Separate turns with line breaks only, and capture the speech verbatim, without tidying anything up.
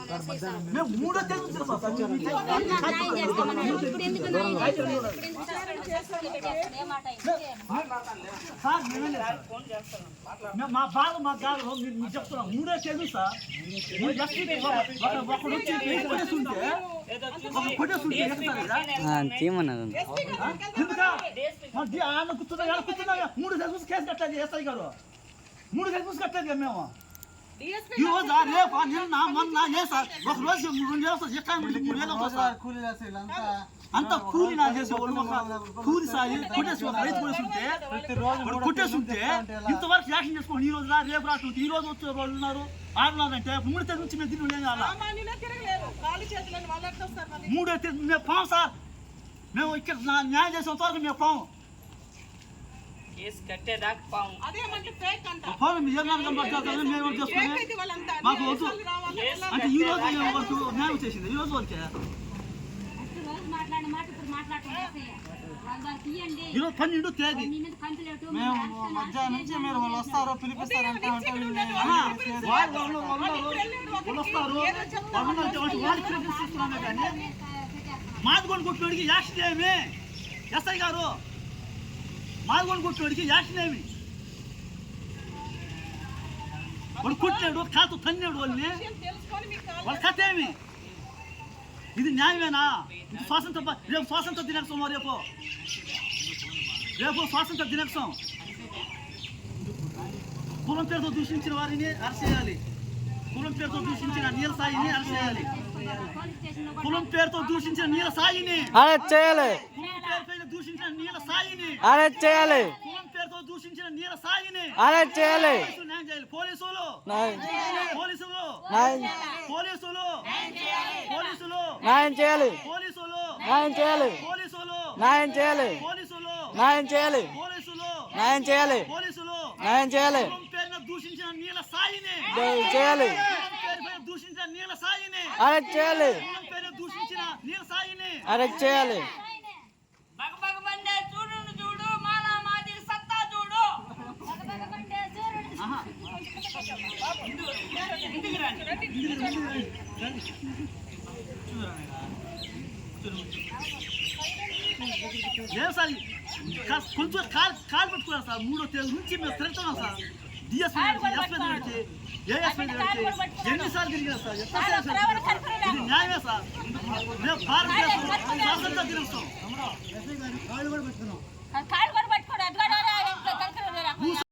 మేము మూడో తేదీ మా బాధ మా కాదు మీరు చెప్తున్నాం మూడో తేదీ సార్ ఒకడు వచ్చి కొట్టేస్తుంటే కొట్టేస్తుంటే ఎందుకు ఆమె కూర్చున్నా కూర్చున్నా మూడు తెలుసు కేసు కట్టలేదు ఎస్ఐ గారు మూడు తెలుసు కట్టలేదు మేము ఈ రోజు రేపు నిన్న మొన్న ఏ సార్ ఒక రోజు రెండు వేలు వస్తుంది ఎక్కడ మూడు వేలు వస్తుంది అంత కూలి నా చేసే కూలి సాయి కొట్టేసి రైతు కొట్టేస్తుంటే కొట్టేస్తుంటే ఇంతవరకు యాక్షన్ చేసుకోండి ఈ రోజు రా రేపు రాస్తుంటే ఈ రోజు వచ్చే వాళ్ళు ఉన్నారు ఆడున్నారంటే మూడు తేదీ నుంచి మేము తిరిగి మూడో తేదీ మేము పాము సార్ మేము ఇక్కడ న్యాయం చేసేంత వరకు మేము పాము మాకు వద్దు అంటే ఈ రోజు వరకు న్యాయం చేసింది ఈ రోజు వరకే ఈరోజు పన్నెండు తేదీ
మేము మధ్యాహ్నం నుంచి మీరు వాళ్ళు వస్తారో పిలిపిస్తారంటే
మాదిగొండ కొట్టినోడికి యాక్షన్ ఏమి ఎస్ఐ గారు మాదిగొండ కొట్టినోడికి యాక్షన్ ఏమి వాడు కొట్టాడు కాతో తన్నాడు వాళ్ళని వాళ్ళ కథ ఏమి ఇది న్యాయమేనా ఇది స్వాతంత్ర రేపు స్వాతంత్ర దినోత్సవం రేపు రేపు స్వాతంత్ర దినోత్సవం కులం పేరుతో దూషించిన వారిని అరెస్ట్ చేయాలి కులం పేరుతో దూషించిన నీల సాయిని అరెస్ట్ చేయాలి కులం పేరుతో దూషించిన నీల సాయిని
అరెస్ట్ చేయాలి
కులం పేరుపైన దూషించిన నీల సాయిని
అరెస్ట్ చేయాలి
కులం పేరుతో దూషించిన నీల సాయిని
అరెస్ట్ చేయాలి
న్యాయం చేయాలి పోలీసులు పోలీసులు పోలీసులు పోలీసులు
న్యాయం చేయాలి
పోలీసులు
న్యాయం చేయాలి
పోలీసులు
న్యాయం చేయాలి
పోలీసులు
న్యాయం చేయాలి
పోలీసులు
న్యాయం చేయాలి
పోలీసులు
న్యాయం చేయాలి
కులం పేరున దూషించిన నీల సాయిని
చేయాలి
కులం పేరుపైన దూషించిన నీల సాయిని
అరెస్ట్ చేయాలి
కులం పేరున దూషించిన నీల సాయిని
అరెస్ట్ చేయాలి
లేదు సార్ కొంచెం కాలు కాలు పెట్టుకున్నాను సార్ మూడో తేదీ నుంచి మేము తిరుగుతున్నాం సార్ డిఎస్పీ ఎస్పీ పెడితే ఏఎస్పీ పెడితే ఎన్నిసార్లు తిరిగినా సార్ ఇది న్యాయమే సార్ మేము భారతదేశం స్వాతంత్ర దినోత్సవం